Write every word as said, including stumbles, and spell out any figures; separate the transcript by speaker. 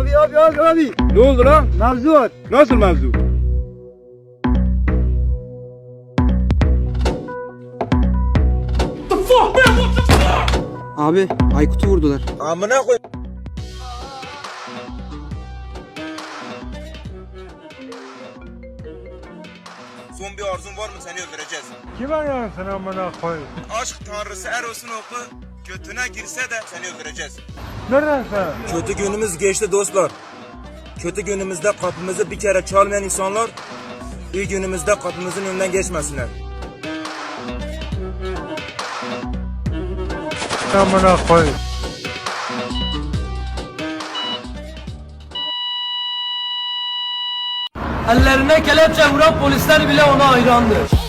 Speaker 1: Abi abi abi abi.
Speaker 2: Ne oldu lan?
Speaker 1: Mevzu var.
Speaker 2: Nasıl mevzu?
Speaker 3: Abi Aykut'u vurdular.
Speaker 4: Amına koy. Son bir arzun var mı, seni öldüreceğiz.
Speaker 1: Kim arıyorsun sen amına koy?
Speaker 4: Aşk tanrısı Eros'un oku götüne girse de seni öldüreceğiz.
Speaker 1: Nereden sen?
Speaker 4: Kötü günümüz geçti dostlar. Kötü günümüzde kapımızı bir kere çalmayan insanlar iyi günümüzde kapımızın önünden geçmesinler.
Speaker 1: Amına koy.
Speaker 5: Ellerine kelepçe vuran polisler bile ona hayrandır.